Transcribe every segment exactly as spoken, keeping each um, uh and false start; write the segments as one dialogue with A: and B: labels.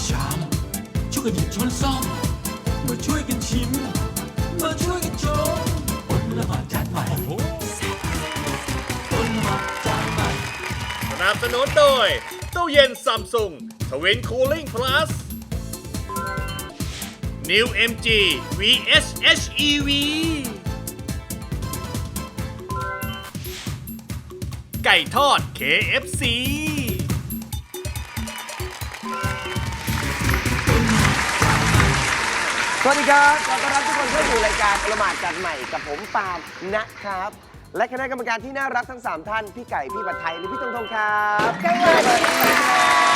A: ชามช่วยกันหยิบช้อนซ่อมมาช่วยกันชิมมาช่วยกันชมอดละหมาดจานใหม่อดละหมาดจานใหม่
B: สนับสนุนโดยตู้เย็นซัมซุงทวินคูลิ่งพลัส New เอ็ม จี วี เอส เอช อี วี ไก่ทอด เค เอฟ ซี
C: สวัสดีครับขอต้อนรับทุกคนเข้าสู่รายการประมาทจัดใหม่กับผมปาล์มนะครับและคณะกรรมการที่น่ารักทั้งสามท่านพี่ไก่พี่ผัดไทยและพี่ตงทงครับสวัสดีค่ะ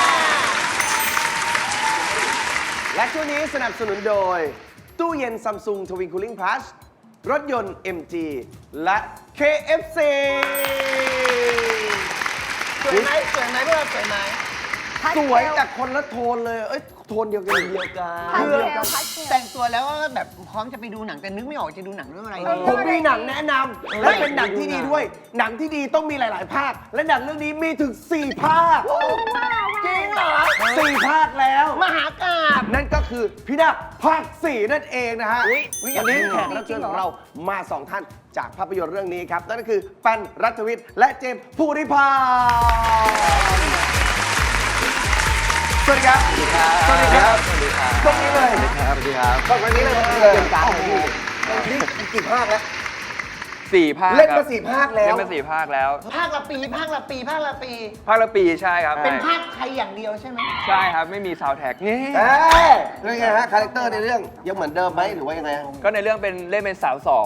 C: และช่วงนี้สนับสนุนโดยตู้เย็นซัมซุงทวินคูลิ่งพลัสรถยนต์ เอ็ม จี และ เค เอฟ ซี
D: สวยไหมสวยไหมพวกเราสวยไหม
C: สวยแต่คนละโทนเลยเอ้ยโทนเดียวกันเดียวกัน
D: คือแต่งตัวแล้วก็แบบพร้อมจะไปดูหนังแต่นึกไม่ออกจะดูหนังเรื่องอะไรดี
C: ผมมีหนังแนะนำและเป็นหนังที่ดีด้วย หนังที่ดีต้องมีหลาย ๆ ภาค และหนังเรื่องนี้มีถึง สี่ภาค
D: จริงเหรอ
C: สี่ภาคแล้ว
D: มหากาพย์
C: นั่นก็คือพี่นาคภาค สี่นั่นเองนะฮะ
D: อุ๊ยอุ๊ย
C: วันนี้แขกรับเชิญของเรามาสองท่านจากภาพยนตร์เรื่องนี้ครับ นั่นก็คือปันรัฐวิทย์และเจมส์ภูริภาสวัสดีครับ สวัสดีครับ สวัสดีครับตรงนี้เลย
E: ครับสวัสดีครับ
C: ตรงนี้เลยตรงนี้เลยเตรียมการเลยพี่นี่กี่ภาคแล้ว
E: สี่ภาค
C: เล่น
E: ค
C: มา
E: รับ
C: สี่ภาคแล้ว
E: เล่นมาสี่ภาคแล้ว
D: ภาคละปีภาคละปีภาคละปี
E: ภาคละปีใช่ครับ
D: เป็นภาคไทยอย่างเดียวใช่ไหม
E: ใช่ครับไม่มีซาวด์แท็กนี่
C: เอ้ยเรื่องไงฮะ คาแรคเตอร์ในเรื่องยังเหมือนเดิมไหมหรือว่ายังไงฮะ
E: ก็ในเรื่องเป็นเล่นเป็นสาวสอง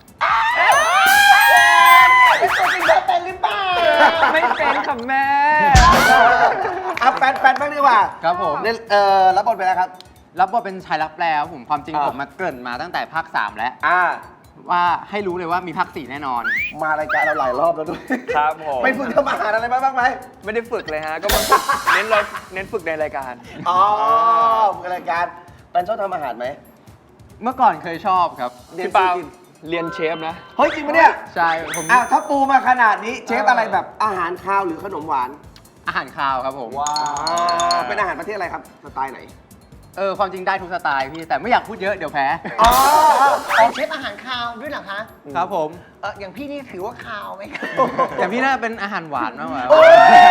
D: เป็นตัวจริงแล้วเป็นหรือเปล่า
E: ไม่เป็นค่ะแม่
C: เอาแฟนแฟนบ้างดีกว่า
F: ครับผม
C: เล่นเอ่อรับบทเป็นอะไรครับ
F: รับบทเป็นชายรับแปลครับผมความจริง
C: อ่า
F: ผมมาเกริ่นมาตั้งแต่ภาค สาม แล้ว
C: อ่า
F: ว่าให้รู้เลยว่ามีภาค สี่ แน่นอน
C: มารายการเราหลายรอบแล้วด้วย
E: ครับผม
C: ไปฝึกทำอาหารอะไรมาบ้างไหม
E: ไม่ได้ฝึกเลยฮะ ก็มาฝึกเน้นเราเน้นฝึกในรายการ
C: อ๋อฝึกรายการแฟนชอบทำอาหารไหม
F: เมื่อก่อนเคยชอบครับ
C: เรียน
E: พี่ปาล์ม
C: กิน
E: เรียนเชฟนะ
C: เฮ้ยจริงปะเนี่ย
F: ใช่ผม
C: อ่ะถ้าปูมาขนาดนี้เชฟอะไรแบบอาหารคาวหรือขนมหวาน
F: อาหารคาวครับผม
C: ว้าว เป็นอาหารประเทศอะไรครับ สไตล์ไหน
F: เออความจริงได้ทุกสไตล์พี่แต่ไม่อยากพูดเยอะเดี๋ยวแพ้
C: อ๋อ
D: เป็นเชฟอาหารคาวด้วยเหรอคะ
F: ครับผม
D: เอออย่างพี่นี่ถือว่าคาวไหมคะ
F: อย่างพี่น่าเป็นอาหารหวานมากกว่า
C: โอ้ย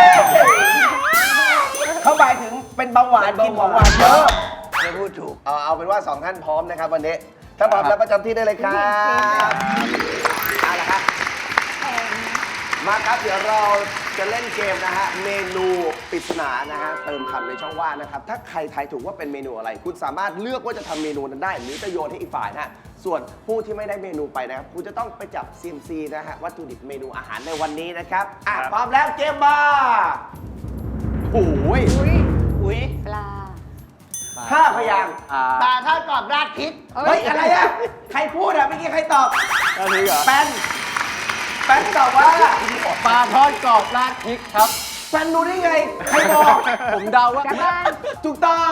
C: เขาหมายถึงเป็นเบาหวานกินของหวานเยอะ
D: ไม่พูดถูก
C: เอาเอาเป็นว่าสองท่านพร้อมนะครับวันนี้ ถ้าพร้อมแล้วประจำที่ได้เลยครับเอาละครับ มาครับเดี๋ยวเราจะเล่นเกมนะฮะเมนูปริศนานะฮะเติมคำในช่องว่างนะครับ ถ้าใครทายถูกว่าเป็นเมนูอะไร คุณสามารถเลือกว่าจะทำเมนูนั้นได้ หรือจะโยนให้อีกฝ่ายนะฮะส่วนผู้ที่ไม่ได้เมนูไปนะครับคุณจะต้องไปจับ ซี เอ็ม ซี นะฮะวัตถุดิบเมนูอาหารในวันนี้นะครับอ่ะ
E: ครับ
C: พร้อมแล้วเกมมาโอ้ย
D: อุ้ย
G: ปลา
C: ห้าพยางค์
F: อ่า
D: ปลาทอดกรอบราดพริก
C: เฮ้ยอะไรอะใครพูดอะเมื่อกี้ใครตอบ
E: อันนี้เหรอ
C: แปนแปนตอบว่า
F: ปลาทอดกรอบราดพริกครับ
C: แปนรู้ได้ไงใครบอก
F: ผมเดาว่า
G: กลับบ้าน
C: ถูกต้อง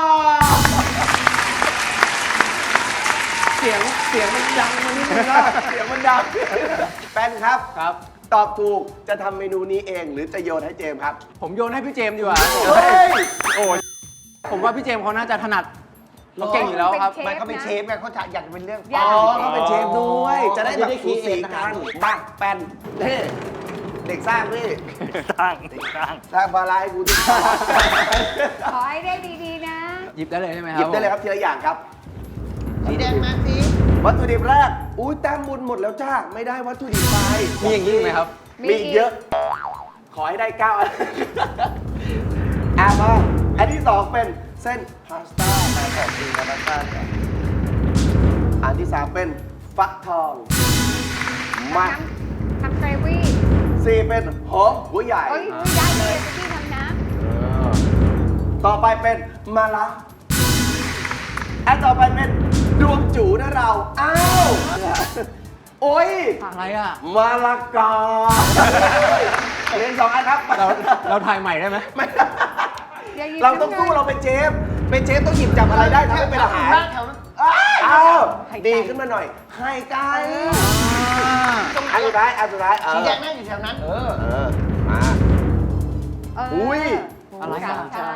C: เสียงเสียงมันดังมันนิดนึงนะเสียงมันดังแปนครับ
F: ครับ
C: ตอบถูกจะทำเมนูนี้เองหรือจะโยนให้เจมส์ครับ
F: ผมโยนให้พี่เจมส์ดีกว่า
C: เฮ้ย
F: โอ้ยผมว่าพี่เจมส์เขาน่าจะถนัดเขาเก่งอยู่แล้วครับ
G: เป็น
D: มันเขาเป็นเชฟไงเขาอยากจะเป็นเรื่อง
G: อยาก
C: อ๋อเขาเป็นเชฟด้วย จะได้แบบสูสีกันบ้างแปนเฮ้เด็กสร้างพี่
E: สร้างสร้าง
C: สร้างบาลายกูดิ
G: ขอให้ได้ดีๆนะ
F: หยิบได้เลยใช่ไหมค
C: ห
F: รับ
C: ยิบได้เลยครับทีละอย่างครับ
D: สีแดงมาสิ
C: วัตถุดิบแรก อุ้ยแต้มบุญหมดแล้วจ้า ไม่ได้วัตถุดิบไป
F: มีอย่างนี้ไหมครับ
C: มีอีกเยอะ ขอให้ได้เก้าอันอ่ะมาอันที่สองเป็นเส้นพาสต้ามาขอบคุณนะพาสต้าก่อนอันที่สามเป็นฟักทอง มา
G: ทำเกรวี่
C: สี่เป็นหอมหัวใหญ่
G: เอ้ยได้เลยพี่ทำนะ
C: ต่อไปเป็นมะระอันต่อไปเป็นดวงจูนะเรา อ้าว โอ้ย
F: อะไรอ่ะ
C: มะละกอเรียนสองอันครับ
F: เราเราถ่ายใหม่ได้ไหม
C: ไม่
G: อย่าหยิบ
C: เราต้องสู้เราเป็นเชฟ เป็นเชฟต้องหยิบจับอะไรได้ถ้าไม่เป็นอาหาร
D: บ้านแถวนั้น
C: อ้าวดีขึ้นมาหน่อยไข่ไก่อันสุดท้ายอันสุดท้ายเอ
D: สี
C: อ
D: แดงนั่งอยู่แถวนั้น
C: เออ เออ มา
G: เออ
C: อุ้ย
F: อะไร
G: สา
F: อ่ะ
G: มชั้น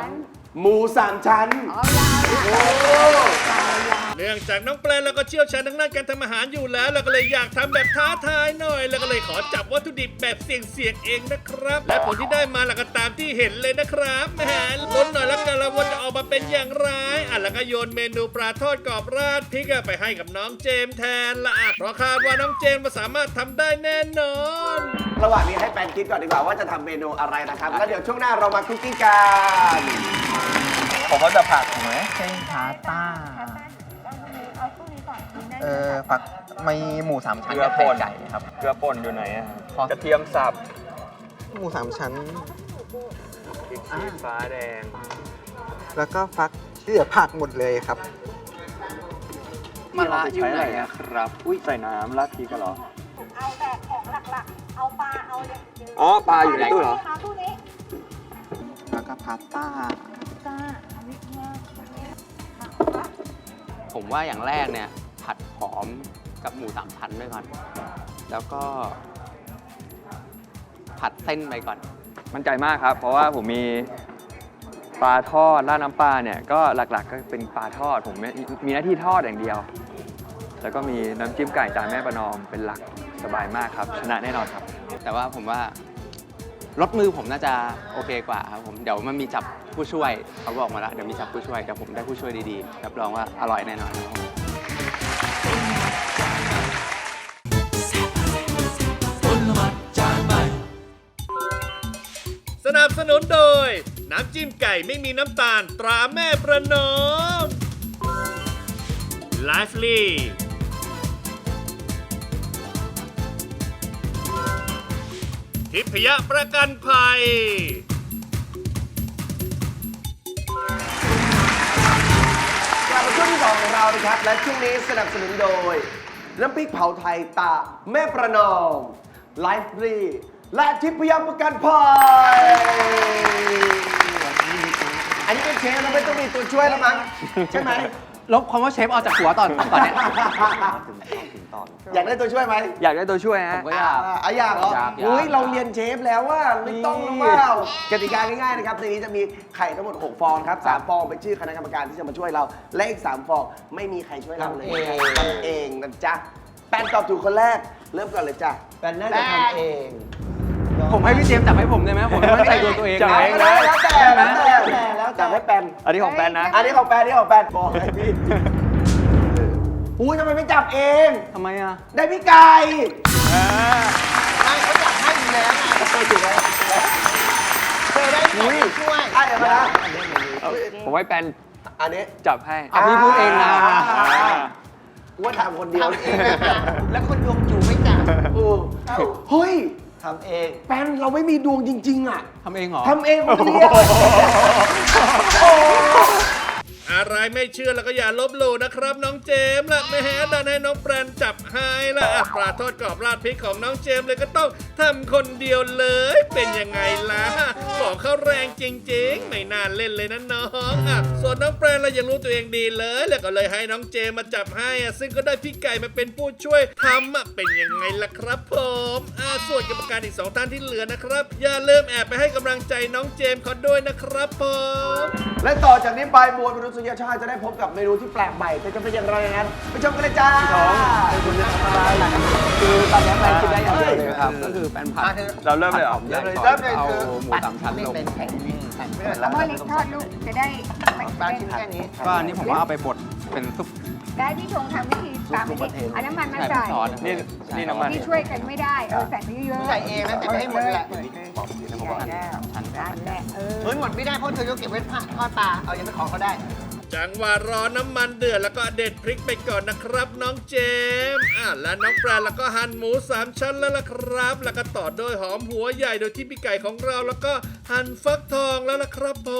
C: หมูสามชั้น
G: เอายาวละ
C: โอ้
B: เนื่องจากน้องแปลแล้วก็เชี่ยวชาญทางด้านการทำอาหารอยู่แล้วเราก็เลยอยากทำแบบท้าทายหน่อย แล้วก็เลยขอจับวัตถุดิบแบบเสี่ยงๆเองนะครับ และผลที่ได้มาเราก็ตามที่เห็นเลยนะครับแหมลุ้นหน่อยแล้วกันละว่าจะออกมาเป็นอย่างไรอ่ะแล้วก็โยนเมนูปลาทอดกรอบราดพริกอะไปให้กับน้องเจมส์แทนละอ่ะเพราะคาดว่าน้องเจมส์สามารถทำได้แน่นอน
C: ระหว่างนี้ให้แปนคิดก่อนดีกว่าว่าจะทำเมนูอะไรนะครับแล้วเดี๋ยวช่วงหน้าเรามาคุกกิ้งกัน
E: ผมว่าจะผักถูกไหม
H: เส้นพาสต้าเออผักมีหมูสามชั้น
E: เกลือ
H: กับ
E: ป่
H: ไข่
E: น
H: ไก่ครับ
E: เกลือป่นอยู่ไหนอะ
H: ขอ
E: กระเทียมสับ
H: หมูสามชั้น
E: พริกชี้ฟ้าแดง
H: แล้วก็ฟักที่เหลือผักหมดเลยครับ
F: มาละอยู่
E: ใช้
F: ไห
E: อะ
F: น
E: ไร
F: อะ
E: อะครับ อุ้ยใส่น้ำราดพริกกันเหรอ
I: เอาแต่ของหลักๆ เอาปลา เอาอย่างเดียว
E: อ๋อ ปลาอยู่ในตู้เหรอ
I: มาตู้นี้
H: แล้วก็พาสต้า
I: จ้าอันนี้มา
F: ผมว่าอย่างแรกเนี่ย ผัดหอมกับหมูสามชั้นไปก่อน แล้วก็ ผัดเส้นไปก่อน
E: มั่นใจมากครับ เพราะว่าผมมีปลาทอดราดน้ำปลาเนี่ย ก็หลักๆก็เป็นปลาทอด ผมมีมีหน้าที่ทอดอย่างเดียว แล้วก็มีน้ำจิ้มไก่จานแม่ประนอมเป็นหลักสบายมากครับ ชนะแน่นอนครับ
F: แต่ว่าผมว่ารถมือผมน่าจะโอเคกว่าครับผมเดี๋ยวมันมีจับผู้ช่วยเขาบอกมาแล้วเดี๋ยวมีจับผู้ช่วยเดี๋ยวผมได้ผู้ช่วยดีๆรับรองว่าอร่อยแน่นอนครับผม
A: คนละหมัดจานใหม่
B: สนับสนุนโดย น้ำจิ้มไก่ไม่มีน้ำตาลตราแม่ประนอม ไลฟ์ลีทิพยประกันภัย
C: กลับมาช่วงที่สองของเรานะครับ และช่วงนี้สนับสนุนโดย น้ำพริกเผาไทยตาแม่ประนอมไลฟ์รีและทิพยประกันภัยอันนี้เป็นเชฟเราไม่ต้องมีตัวช่วยแล้วมั้งใช่ไหม
F: ลบคำว่าเชฟออกจากหัวตอนตอนเนี้ย
C: อยากได้ตัวช่วยไหม
E: อยากได้ตัวช่วย
F: ผ
E: ฮะ
F: มก็อยาก
C: อ่ะอยากเหรอ
F: อยากอยาก
C: อุ้ยเราเรียนเชฟแล้วว่าไม่ต้องหรือเปล่ากติกาง่ายๆนะครับในนี้จะมีไข่ทั้งหมดหกฟองครับสามฟองเป็นชื่อคณะกรรมการที่จะมาช่วยเรา และอีกสามฟองไม่มีใครช่วยเราเลยทำเองนะจ๊ะแปนตอบถูกคนแรกเริ่มก่อนเลยจ้ะแปนน่าจะทำเอง
F: ผมให้พี่เจมส์จับให้ผมได้ไหมผมไม่มั่นใจตัวตัวเอง
E: จับ
F: นะ
E: เอง
C: แล้วแล้วแต่แล้วแต่แล้วแต่ให้แปน
E: อันนี้ของแปนนะ
C: อันนี้ของแปนอันนี้ของแปนบอกให้พี่อุ้ยทำไมไม่จับเอง
F: ทำไมอ่ะ
C: ได้พี่ไก่
D: ไม่เขาอยากให้อยู่แล้วไง
C: เคยถูกไหม
D: เคยได้ของช่วย
C: อ่ะเดี๋ยวมานะ
E: ผมให้แปน
C: อันนี้
E: จับให้
F: อ่ะพี่พูดเองนะ
C: กูว่าทำคนเดียว
D: ทำเองแล้วคนดวงจูไม่จับ
C: โอ้เฮ้ย
H: ทำเอง
C: แปนเราไม่มีดวงจริง ๆ อ่ะ
F: ทำเองเหรอ
C: ทำเองคนเดียวโอ้
B: อะไรไม่เชื่อแล้วก็อย่าลบหลู่นะครับน้องเจมส์ละแม่ดันให้น้องแปรนจับให้ละอ่ะปลาทอดกรอบราดพริกของน้องเจมส์เลยก็ต้องทำคนเดียวเลย เป็นยังไงล่ะของเขาแรงจริงๆ ไม่น่าเล่นเลยนะน้องอ่ะส่วนน้องแปรนเรายังรู้ตัวเองดีเลย แล้วก็เลยให้น้องเจมส์มาจับให้อ่ะซึ่งก็ได้พี่ไก่มาเป็นผู้ช่วยทำอ่ะเป็นยังไงล่ะครับผมอ่ะส่วนกรรมการอีกสองท่านที่เหลือนะครับ อย่าลืมแอบไปให้กำลังใจน้องเจมส์เขาด้วยนะครับผม
C: และต่อจากนี้ไปบวชมนุษยชาติจะได้พบกับเมนูที่แปลกใหม่แต่จะเป็นอย่างไรนั้นไปชมกันเลยจ้าเป็นคุณนะครับคือตอนนี้แปลคิดได้อย่างเดียวเลยครับ
F: ก็คือแป้นผัด
E: เราเริ่มเลยเหรอ
F: เริ่มเลย
C: เริ่มเลย
F: เอา
C: คือ
F: หมูสามชั้น
D: ไม่
F: ลง
D: เป็นแผ่นนี้แผ่นไม่เป็น
G: เอาหม้อเล็กทอดลูกจะได้ไม่
D: ปลา
G: เป็น
D: ชิ้นแค่นี้
F: ก็อันนี้ผมว่าเอาไปบดเป็นซุป
G: ได้พี่ชงทำวิธีตามวิธีเอาน้ำมันมา
F: ใส่
G: ใส่
F: ซอส
E: นี่นี่น้ำมัน
G: พี่ช่วยกันไม่ได้เออใส่ไปเยอะๆ
D: ใส่เองนะแต่ไม่ให้หมดแหละ
F: ผมว่าชั้น
G: นั่นแหละเออ
D: เฮ้ยหมดไม่ได้เพราะเธอจะเก็บไว้ทอดปลาเอายังไปขอเขาได้
B: จังหวะรอน้ำมันเดือดแล้วก็เด็ดพริกไปก่อนนะครับน้องเจมส์อ่ะและน้องปลาแล้วก็หั่นหมูสามชั้นแล้วล่ะครับ แล้วก็ต่อด้วยหอมหัวใหญ่โดยที่พี่ไก่ของเราแล้วก็หั่นฟักทองแล้วล่ะครับผม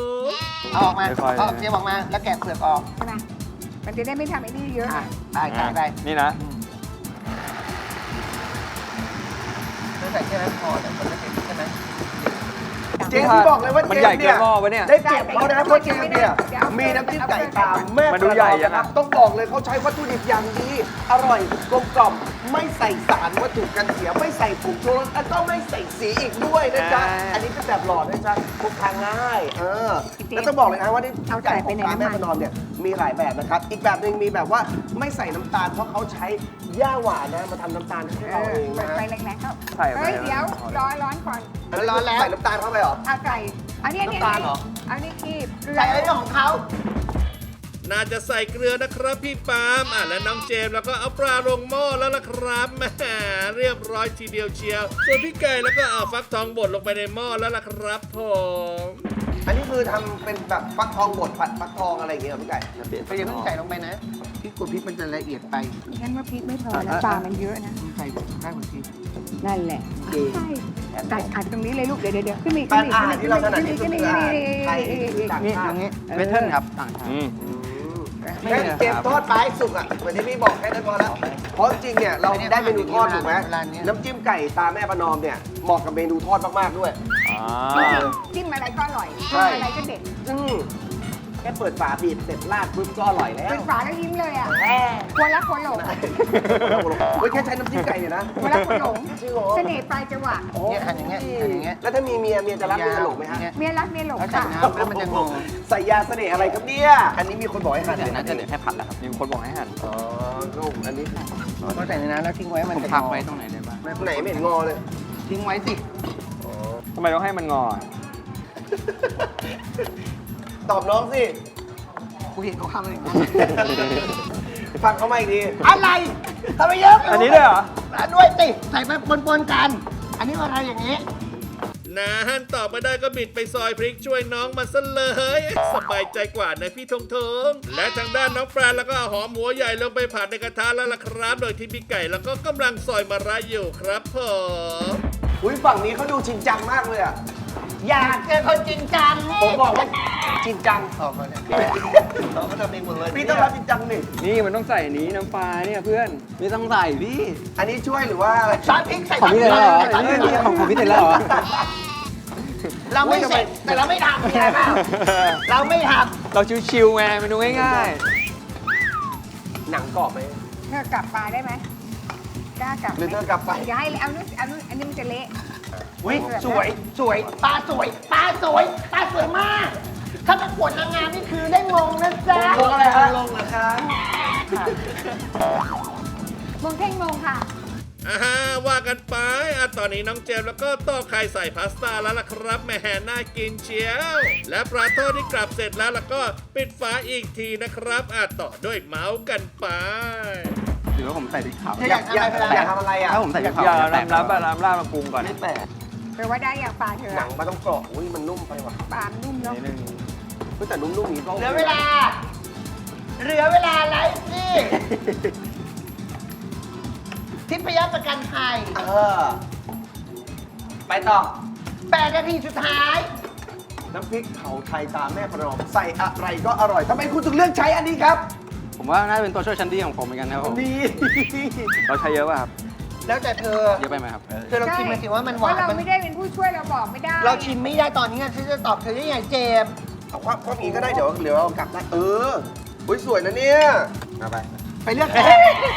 D: เอาออกมา
E: ค่อยๆ
D: เอาเจียวออกมาแล้วแกะเปลือกออก
G: ใช่ไหมมันจะได้ไม่ทำไอ้นี่เยอะ
D: อ่ะได้ใส่ไป
E: นี่นะ
D: เธอใส่แค่นั้นพอแต่คนละเห็นใช่ไหม
G: ตาม
C: เจมส์ที่บอกเลยว่า
E: มัน
C: เจม
E: ใหญ่
C: ส์
E: เกิ
C: เนี่
E: น
C: ย
E: หม้อปะเนี่ย
C: ได้เปรียบเขานะเพราะเจมส์เนี่ยมีน้ำจิ้มไก่ตามแม่
E: มันดูใหญ่ยัง
C: นะค
E: อะ
C: รับต้องบอกเลยเขาใช้วัตถุดิบอย่างดี อร่อยกลมกล่อมไม่ใส่สารวัตถุกันเสียไม่ใส่ผงชูรสแล้วก็ไม่ใส่สีอีกด้วยนะจ๊ะอันนี้เป็นแบบหลอดนะจ๊ะพกพาง่ายเออแล้วต้องบอกเลยนะว่าที่ไก่ของร้านแม่ประนอมเนี่ยมีหลายแบบนะครับอีกแบบหนึ่งมีแบบว่าไม่ใส่น้ำตาลเพราะเขาใช้หญ้าหวานนะมาทำน้ำตาลให้
G: เอ
C: เรา
G: อ
C: เอง
G: เปิ
C: นะ
G: ดไฟแรงๆเข้า
E: ใส่ไป
G: เฮ้ยเดี๋ยวรอร้อนก่อน
C: ร้อนแล้วใส่น้ำตาลเข้าไปเหรอ
G: เอาไก่อันนี้อันนี้
C: น้ำตาลเหรอ
G: อันนี้คีบเกลือ
D: ใส่อะไรของเขา
B: น่าจะใส่เกลือนะครับพี่ปาล์มอ่ะและน้องเจมส์แล้วก็เอาปลาลงหม้อแล้วล่ะครับแหมเรียบร้อยทีเดียวเชียวส่วนพี่ไก่แล้วก็เอาฟักทองบดลงไปในหม้อแล้วล่ะครับผม
C: อันนี้คือทำเป็นแบบฟักทองบดผัดฟักทองอะไรอย่างเงี้ยเหรอพี่ไก่
D: ไปอย่าเพิ่งใส่ลงไปนะพริกกดพริกมันจะละเอียดไป
G: ฉันว่าพริกไม่พอนะปลามันเยอะนะ
D: ใส่ข้าวกดพริก
G: นั่นแหละ
C: ดี
G: ใช่ตัดอัดตรงนี้เลยลูกเดี๋ยวเดี๋ยวเดี๋ยวขึ้นมาอีก
C: ปลา
G: ขึ้นมาอีก
C: อาหารที่เราถนัดที่สุด
G: ขึ้น
C: คือ
G: มา
C: อาหาร
G: อีก
C: ไทยหรือต่าง
D: นี่
C: ชา
D: อ
C: ติ
D: ย่างนี้
F: เวทเทิลครับต่างชาติ
E: อืม
C: แค่เตรียมทอดปลาให้สุกอ่ะเหมือนที่พี่บอกแค่นั้นพอแล้วเพราะจริงๆเนี่ยเราได้เมนูทอดถูกไหมน้ำจิ้มไก่ตาแม่ประนอมเนี่ยเหมาะกับเมนูทอดมากๆด้วย
E: อ่า
G: จิ้มอะไรก็อร่อย
C: ใช่
G: จิ้มอะไรก็เด็ด
C: อืมแค่เปิดฝาบีบเสร็จราดปุ๊บก็อร่อยแล้ว
G: เป็นฝาแล้วยิ้มเลยอ่ะควรละควรหลง
C: เฮ้ยแค่ใช้น้ำจิ้มไก่เนี่ยนะ
G: ควรละควรหลง
C: จริงเหรอ
G: เสน่ห์ปลายจังหวะ
D: เนี่ยหั่นอย่างเงี้ยหั่นอย่างเงี้ย
C: แล้วถ้ามีเมียเมียจะรักเมียหลงไหมฮะ
G: เมียรักเมียหลง
D: แล้วใส่
G: ค่ะ
D: น้ำแล้วมันจะงง
C: ใส่ยาเสน่ห์อะไรครับเนี่ย อันนี้มีคนบอกให้หั่น
F: เดี๋ยวน่าจะเหลือแค่ผัดแล้วครับ
E: มีคนบอกให้หั่น
C: อ๋อก็อันนี้
D: พอใส่ในน้ำแล้วทิ้งไว้มัน
F: ผม
D: จะ
F: พัก
D: งอ
F: ไว้ตรงไหนได้บ้าง
C: ไหนไม่เห็นงอเลย
D: ทิ้งไว้สิ
E: ทำไมต้องให้มันงอ
C: ตอบน้องสิ
D: กูเห็นเขาทำอะไรอย่างเงี้ย
C: ฟังเขามาอีกที
D: อะไรทำไมเยอะ
E: อันนี้ด้วยเหรอ
D: อ่ะด้วยสิใส่ไปปนๆกัน อันนี้อะไรอย่างนี้
B: นานตอบไม่ได้ก็บิดไปซอยพริกช่วยน้องมาซะเลย สบายใจกว่านะพี่ทงทงและทางด้านน้องแฟนแล้วก็เอาหอมหัวใหญ่ลงไปผัดในกระทะแล้วล่ะครับ โดยที่พี่ไก่แล้วก็กำลังซอยมะระอยู่ครับผม
C: อุ้ยฝั่งนี้เขาดูจริงจังมากเลยอ่ะ
D: อยากเจอคนจริงจัง
C: ผมบอกว่าจริงจัง
D: ออกมาเนี่ย
C: เราก็ทำเองหมดเลยพี่ต้องรับจริงจังหนึ่ง
E: นี่มันต้องใส่อันนี้น้ำปลาเนี่ยเพื่อน
F: ไม่ต้องใส่พี่
C: อันนี้ช่วยหรือว่าอะไร
D: ซอสพริกใส่
F: ของพี่เสร็จแล้วเหรอ
D: ซสพริก
F: นี่ของของพี่เสร็จแล้วเหรอ
D: เราไม่เสร็จแต่เราไม่ทำใช่ไหมเราไม่ท
E: เราชิวๆไงเมนูง่าย
C: หนังกรอบไหม
G: เธอกลับปลาได้ไหมกล้ากลับไหม
C: หรือเธอกลับไป
G: อย่าให้เลยเอานู่นเอานู่นอันนี้มันจะเละ
D: อุ้ยสวยสวยปลาสวยปลาสวยปลาสวยมาก ถ้าประกวดนางงามนี่คือได้มงนะจ๊ะ
C: ลงอะไรฮะลงเหรอคะ
G: มงเท่งมงค่ะ
B: อ่าว่ากันไปอ่ะตอนนี้น้องเจมส์แล้วก็ต้อไข่ใส่พาสต้าแล้วล่ะครับแหม่น่ากินเชียว และปลาทอดที่กลับเสร็จแล้วแล้วก็ปิดฝาอีกทีนะครับอ่ะต่อด้วยเมาส์กันไป
F: หรือว่าผมใส่พริกเผา
C: อยากอยากอยากทำอะไรอ่ะ
F: ถ้าผมใส่พริก
E: ๆ
F: เผา
E: อย่า
F: จะแตก
E: น้ำน้ำปลาน้ำราดมาปรุงก่อน
C: ไม่แปลก
G: แปลว่าได้อย่างปลาเธอ
C: หนังมันต้องกรอบอุ้ยมันนุ่มไปว่ะ
G: ปลามันนุ่มเนาะ
E: นิดนึง
C: เฮ้ยแต่นุ่มๆนี้ก็
D: เหลือเวลา เหลือเวลาไลฟ์นี่ทิพยประกันภัย
C: เออไปต่อ
D: แปดนาทีสุดท้าย
C: น้ำพริกเผาไทยตามแม่ประนอมใส่อะไรก็อร่อยทำไมคุณถึงเลือกใช้อันนี้ครับ
F: ผมว่าน่าจะเป็นตัวช่วยชั้นดีของผมเหมือนกันนะครับผม
C: ดี
E: เราใช้เยอะป่ะครับ
D: แล้วแต่เธอ
F: เยอะไปไหมครับ
D: เธอลองชิมมาสิว่ามันห
G: เพ
D: วา
G: ราะ
D: น
G: เรา
D: มัน
G: ไม่ได้เป็นผู้ช่วยเราบอกไม่ได้
D: เราชิมไม่ได้ตอนนี้ไงฉันจะตอบเธอได้ไงเจมส์
C: เอาความความอีกก็ได้เดี๋ยวเดี๋ยวเอากลับได้เอออุ้ยสวยนะเนี่ยมาไป
D: ไปเลือกเจม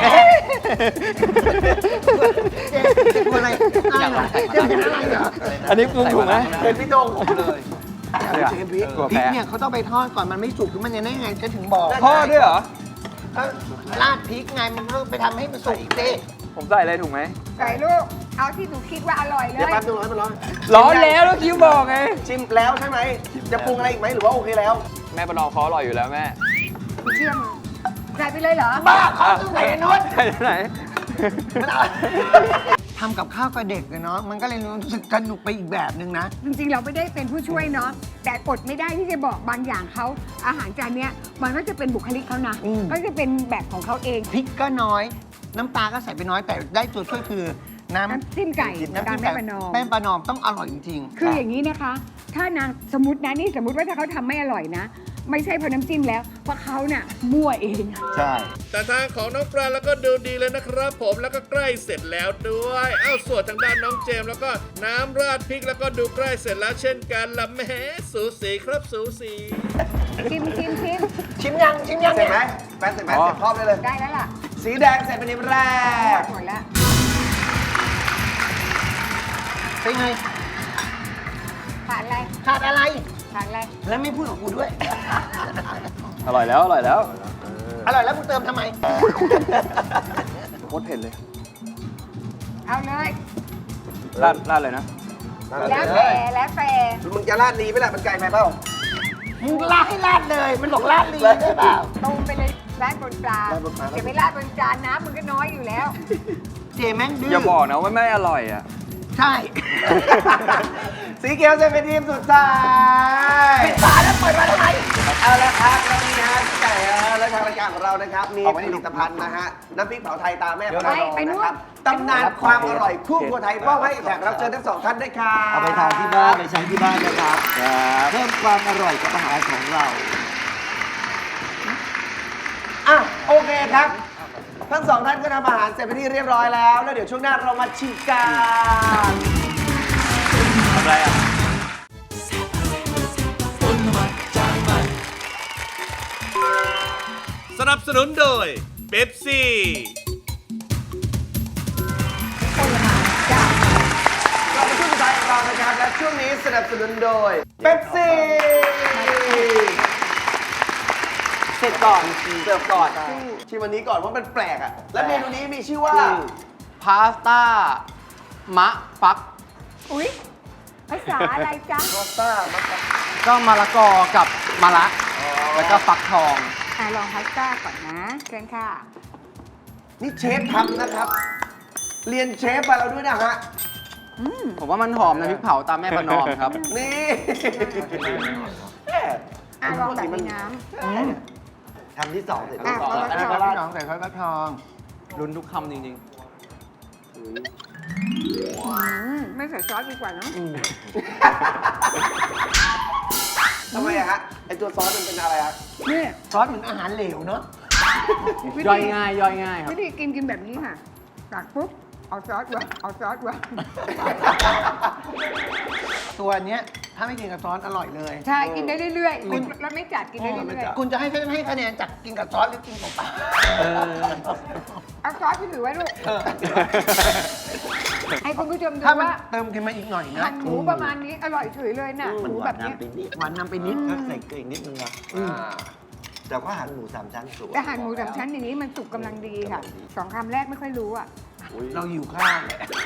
D: ส์จะกลัวอะไรอะไรเหรอเจมส์จะอะไรเหรอ
E: อันนี้ปรุงถูกไหม
C: เป็นพี่โดงผมเลย
E: เดี๋ยว
C: เชฟพริก
E: ตัว
D: พริ
E: แพ้
D: กเนี่ยเขาต้องไปทอดก่อนมันไม่สุกคือมันยังได้ไงฉันถึงบอก
E: ทอดด้วยเหรอ
D: ก็ราดพริกไงมันต้องไปทำให้มันสุกอีกสิ
E: ผมใส่อะไรถูกไหม
G: ใส่ลูก เอาที่หนูคิดว่าอร่อยเล
C: เดี๋ยวย แป๊บนึงร้อนมันร้อน
E: ร้อนแล้วแล้วคิวบอกไง
C: ชิมแล้วใช่ไหมจะปรุงอะไรอีกไหมหรือว่าโอเคแล้ว
E: แม่ประนอมเขาอร่อยอยู่แล้วแม่
G: เชื่อมือใส่ไปเลยเหรอ
D: บ้าเขาต้องใส่นุ้น
E: ใส่ไหน
D: ทำกับข้าวกับเด็กเลยเนาะมันก็เลยรู้สึกสนุกไปอีกแบบนึงนะ
G: จริงๆ เราไม่ได้เป็นผู้ช่วยเนาะ แต่อดไม่ได้ที่จะบอกบางอย่างเขาอาหารจานเนี้ยมันก็จะเป็นบุคลิกเขานะ
D: อืม
G: ก็จะเป็นแบบของเขาเอง
D: พริกก็น้อย น้ำปลาก็ใส่ไปน้อยแต่ได้ตัวช่วยคือน้ำ
G: น้ำจิ้มไก่
D: น้ำ
G: ตาม
D: จิ้ม
G: แม่
D: ไก่
G: ประนอม
D: แป้งปลานอมต้องอร่อยจริงๆ
G: คืออย่างนี้นะคะ ถ้านางสมมตินะนี่สมมติว่าถ้าเขาทำไม่อร่อยนะไม่ใช่เพราะน้ำจิ้มแล้ว เพราะเขาเนี่ยมั่วเอง
C: ใช่
B: แต่ทางของน้องปลาแล้วก็ดูดีเลยนะครับผมแล้วก็ใกล้เสร็จแล้วด้วย เอ้าส่วนทางด้านน้องเจมส์แล้วก็น้ำราดพริกแล้วก็ดูใกล้เสร็จแล้วเช่นกันละแหมสูสีครับสูสี
G: ชิมชิมชิม
D: ชิมยังชิมยัง
C: เสร็จ
D: เนี่ย
C: ไหมแฟนเสร็จไหมเสร็จพร้อมได้เลย
G: ได้แล้วล่ะ
C: สีแดงเสร็จเป็นทีมแรก
G: หมดแล้ว
D: เป็นไง
G: ขาดอะไร
D: ขาดอะไร
G: ขาดอะไร
D: แล้วไม่พูดกับกูด้วย
E: อร่อยแล้ว อร่อยแล้ว
D: อร่อยแล้วกูเติมทำไม
E: โคตรเผ็ดเลย
G: เอาเลย
E: ราดราดเลยนะ
G: แล้วแต่แล้วแต่
C: มึงจะราดดีไหมล่ะมันไก่ไหมเปล่า
D: มึงลาดให้ลาดเลย มันบอกลาดลีได้เปล่า
G: ตรงไปเลยราดบนปลา
C: ราดบนปลา
G: จะไปราดบนจานน้ำมันก็น้อยอยู่แล้ว
D: เจแม่งดื้อ
E: อย่าบอกนะว่าไม่อร่อยอ่ะ
D: ใช่
C: สีเขียวเสร็จเป็นทีมสุดท้าย
D: ปิดฝาแล้วเปิดมาทำไม
C: เอาละครับแล้วนี่นะฮะพี่ไก่เออและทางรายการของเรานะครับ มีผลิตภัณฑ์นะฮะ น้ำพริกเผาไทยตาแม่พระนอง
G: ไปนู่น
C: นะครับตำนานความอร่อยคู่ครัวไทยมอบให้แขกรับเชิญทั้งสองท่านด้วยครับ
H: เอาไปทานที่บ้านไปใช้ที่บ้านนะครับ เพิ่มความอร่อยกับอาหารของเรา
C: อ่ะโอเคครับ ทั้งสองท่านก็ทำอาหารเสร็จเป็นที่เรียบร้อยแล้ว แล้วเดี๋ยวช่วงหน้าเรามาชิมกัน
E: ทำไรอ่ะ
B: สนับสนุนโดยเบปซี่
C: เรามาช่วงสุดท้ายของเรานะครับและช่วงนี้สนับสนุนโดยเป๊ปซี่เสร็จก่อนเสิร์ฟก่อนชิมวันนี้ก่อนว่ามันแปลกอ่ะ และเมนูนี้มีชื่อว่า
F: พาสต้ามะฟัก
G: อุ๊ย ภาษาอะไรจ๊ะ
C: พาสต้ามัสตาร์ด
F: ก็มะละกอกับมะระแล้วก็ฟักทอง
G: อ่ะลองพาสต้าก่อนนะเชิญค่ะ
C: นี่เชฟทำนะครับ เรียนเชฟมาแล้วด้วยนะฮะ
F: ผมว่ามันหอมนะพริกเผาตามแม่ประนอมครับ
C: นี่
G: อ่ะลองแบบมีน้
C: ทำที่สองเสร็จ
G: อ่ะ
C: แล้ว
G: พอแล้ว
D: อันนี้ก็ราดน้องใส่ซอสฟักทอง
F: ลุ้นทุกคำจริง
G: ำอืมไม่ใส่ซอสดีกว่าเนอะ
C: ทำไมอะฮะไอตัวซอสมันเป็นอะไรฮะ
G: นี่
D: ซอสเหมือนอาหารเหลวเนาะ
G: วิ
F: ๆ ย่อย
G: ธี
F: ง่ายย่อยง่ายครับ
G: วิธีกินกินแบบนี้ค่ะตักปุ๊บ เอาซอสวางเอาซอสวาง
D: ตัวเนี้ยถ้าไม่กินกับซอสอร่อยเลย
G: ใช่ กินได้เรื่อยๆคุณแล้วไม่จัดกินได้เรื่อย
D: คุณจะให้ฉันให้คะแนนจากกินกับซอสหรือกินกับเปล่า
G: ๆเอาซอสที่เหลือไว้ลูก ให้คุณผู้ชมดู
D: ถ้ามัน
G: ว่า
D: เติมขึ้นมาอีกหน่อยนะ
G: หั่นหมูประมาณนี้อร่อยเฉยเลยน่ะหมูแบบเนี้ย
D: หวานนำไปนิด
H: ก็ใส่เกลืออีกนิดนึงนะแต่ก็หั่นหมูสามชั้นสวย
G: แต่หั่นหมูสามชั้นอย่างนี้มันสุกกำลังดีค่ะสองคำแรกไม่ค่อยรู้อ่ะ
D: เราอยู่ข้าง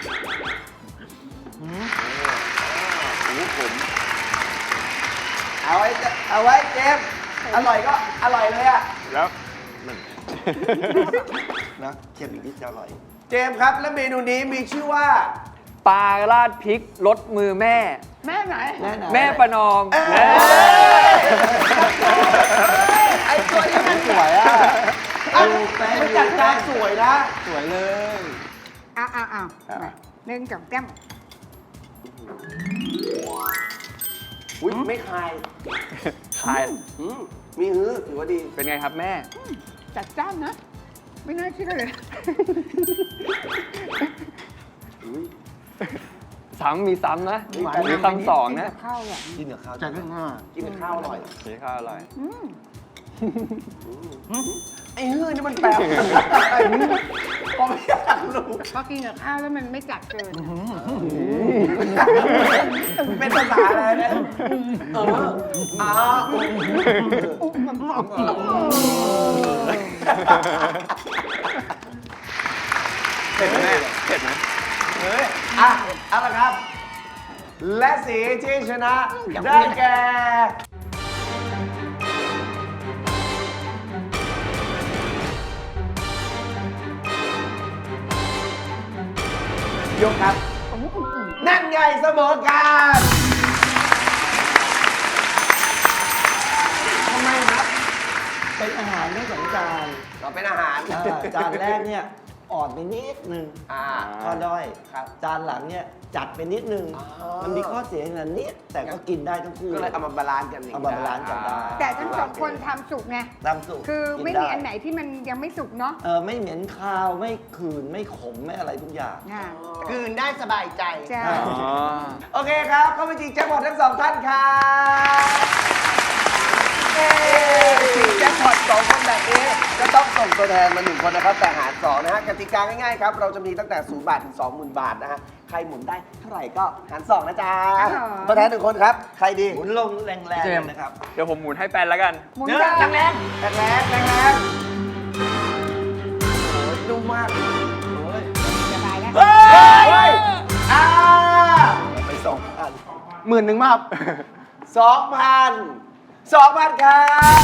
C: เอาไว้จะเอาไว้เจมส์อร่อยก็อร่อยเลยอะ
E: แล้ว
H: นะเค็มอีกนิดจะอร่อย
C: เจมส์ครับและเมนูนี้มีชื่อว่า
E: ปลาราดพริกรสมือแม่
G: แม่ไหน
E: แม่ประนอม
C: เอ้ย
E: เอ้ย
C: ไอตัวนี้มันสวยอะอ่ะมันจัดจานสวยนะ
F: สวยเลย
G: เอาเอาเอามาหนึ่งกับแก้ม
C: อุ้ยไม่คาย
E: ขาย
C: อืมมีฮื้อถือว่าดี
E: เป็นไงครับแม่
G: จัดจ้านนะ ไม่น่าเชื่อเลย
E: ซ้ำมีซ้ำนะ
C: หวาน
E: มีซ้ำสองนะ
G: ข้าวอ่ะ
H: กินกับข้าว
D: จัดเรื่องง่าย
C: กินกับข้าวอร่อย
E: นี่ข้าวอร่อย
G: อืม
C: ไอ้ฮื้อนี่มันแปลกผมไม่อยากรู้
G: พอกินกับข้าวแล้วมันไม่จัดเกิน
C: เป็นภาษาอะไรเนี่ยเอออ้าว
E: เผ็ดไหมแม่เผ็ดไหม
C: เฮ้ยอ่ะเอาละครับ และสีที่ชนะได้แก่ยกครับ นั่นไงเสมอกัน
H: ทำไมครับ เป็นอาหารไม่สองจาน
C: เราเป็นอาหาร
H: อ่าจานแรกเนี่ย ออ่อนไปนิดนึง
C: อ่า
H: ข้อด้อย
C: ครับ
H: จานหลังเนี่ยจัดไปนิดนึง
C: อ๋อ
H: มันมีข้อเสียอย่างนั้นนิดแต่ก็กินได้ทั้งคู่
C: ก็เลยเอามาบาลานซ์กันย่ง
H: เอามาบาลานซ์กันได้
G: แต่ทั้งสองคนทำสุกไง
H: ตามสูตร
G: คือไม่
H: กิ
G: มี
H: ด้
G: อันไหนที่มันยังไม่สุกเนาะ
H: เออไม่เหม็นคาวไม่คืนไม่ขมไม่อะไรทุกอย่าง
G: อ่า
D: คืนได้สบายใจ
G: ใช่
E: อ๋อ
C: โอเคครับก็เป็นจริงแจ็คพอตทั้งสองท่านครับเย้แจ็คพอตสองคนแบบนี้ก็ต้องส่งตัวแทนมาหนึ่งคนนะครับแต่หารสองนะฮะกติกาง่ายๆครับเราจะมีตั้งแต่ศูนย์บาทถึงสองหมื่นบาทนะฮะใครหมุนได้เท่าไหร่ก็หารสองนะจ๊ะตัวแทนหนึ่งคนครับใครดี
H: หมุนลงแรงๆเลยนะครับ
E: เดี๋ยวผมหมุนให้แปนแล้วกัน
G: หมุน
C: เนื้อ
G: ได้
C: แรงแรงแรงแรงแรงโอ้ยนุ่มมากโอ้ย
G: สบายแล้ว
C: เฮ้ยอ่าไปสองพัน
F: หมื่นหนึ่งมากครับ
C: สองพันสองพันครับ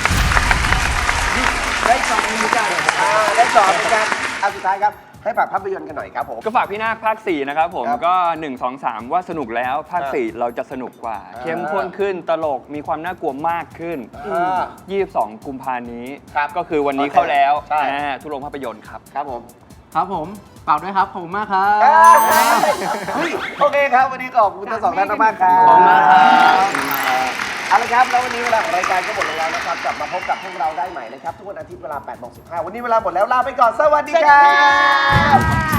C: ได้สองเหมือนกันอ่าได้สองเหมือนกันอ่ะสุดท้ายครับให้ฝากภาพยนตร์กันหน่อยครับผม
E: ก็ฝากพี่นาคภาคสี่นะครับผม
C: ครับ
E: ก็ หนึ่ง สอง สาม ว่าสนุกแล้วภาค
C: ครับ
E: สี่เราจะสนุกกว่า
C: อ่า
E: เข้มข้นขึ้นตลกมีความน่ากลัวมากขึ้น
C: อ่า
E: ยี่สิบสอง กุมภานี้
C: ครับ
E: ก็คือวันนี้
C: โอเค
E: เข้าแล้ว
C: ใช่
E: อ่าทุกโรงภาพยนตร์ครับ
C: ครับผม
F: ครับผมเปล่าด้วยครับ ขอบคุณมากครับ
C: เฮ้ยโอเคครับ วันนี้ขอบคุณทั้งสองท่านมากๆครับ
E: ขอบคุณมากครับ
C: เอาละครับ แล้ววันนี้เวลาของรายการก็หมดลงแล้วนะครับ กลับมาพบกับพวกเราได้ใหม่นะครับ ทุกวันอาทิตย์เวลาแปดโมงสิบห้าวันนี้เวลาหมดแล้ว ลาไปก่อน สวัสดีครับ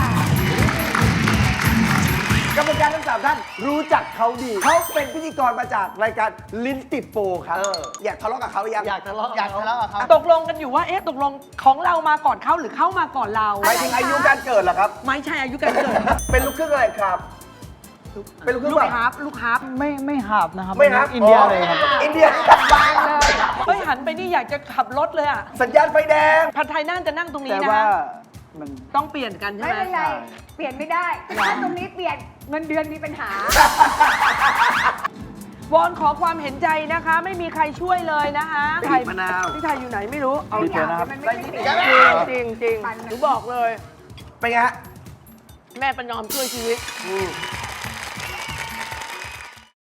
C: กรรมการทั้งสามท่านรู้จักเขาดี เขาเป็นพิธีกรมาจากรายการลิ้นติดโปรครับ อยากทะเลาะกับเขาหรือยัง
D: อยากทะเลาะอยากทะเลาะกับเขา
J: ตกลงกันอยู่ว่า เอ๊ะ ตกลงของเรามาก่อนเขาหรือเข้ามาก่อนเรา
C: หมายถึงอายุการเกิดเหรอครับ
J: ไม่ใช่อายุการเกิด
C: เป็นลูกครึ่งอะไรครับ เป็นลูกครึ่ง
J: ลูก
C: แบบ
J: ฮาร์ปลูกฮาร์ป
D: ไม่ไม่หาบนะครับ
C: ไม่ครับ
D: อินเดียเลยครับ
C: อินเดีย
G: บางเลย
J: เฮ้ย หันไปนี่อยากจะขับรถเลยอ่ะ
C: สัญญาณไฟแดง
J: ผัดไทยน่าจะนั่งตรงนี้
D: แต่
J: นะ
D: ว่า
J: คะ
D: มัน
J: ต้องเปลี่ยนกันใช่
G: ไม่
J: ไหม
G: เป็นไร เปลี่ยนไม่ได้ถ้าตรงนี้เปลี่ยนเงินเดือนมีปัญหา
J: วอนขอความเห็นใจนะคะ ไม่มีใครช่วยเลยนะคะ
C: บีบมะนาว
J: พี่ไทยอยู่ไหนไม่รู้ เอา
G: เอาอย่างที่มันไม่ได้เปลี่ยน
J: จริงจริง
G: ปันนะ
J: หนูบอกเลย
C: เป็นไงฮะ
J: แม่ประนอมช่วยชีวิต
C: อืม